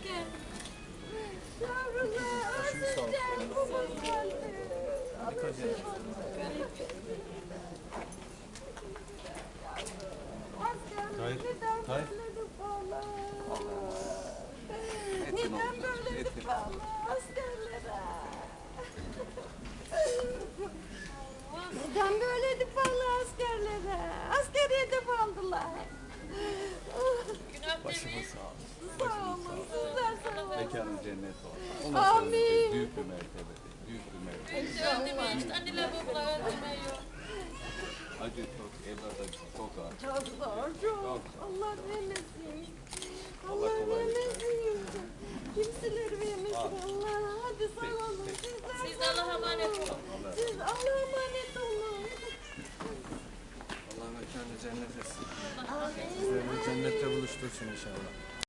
Yavrular, sıcak babam geldi. Neden böyle valla? Neden böyle valla askerlere? Neden böyle valla askerlere? Askeriye hedef aldılar. Başımız sağ olsun. Sağ olun, sizler sağ olun. Mekanın cennet olsun. Amin. Ondan sonra büyük bir mertebe. Büyük bir mertebe. Öldürmeyi işte anneler babalar öldürmeyi. Acı çok, evlada çok ağır. Çok zor, çok. Allah vermesin. Allah Allah kolaylık vermesin. Kimseler vermesin Allah. Hadi sağ olun. Siz de Allah'a emanet olun. Siz Allah'a emanet olun. Allah mekanı cennet etsin. Amin. Sizlerle cennette buluştursun inşallah.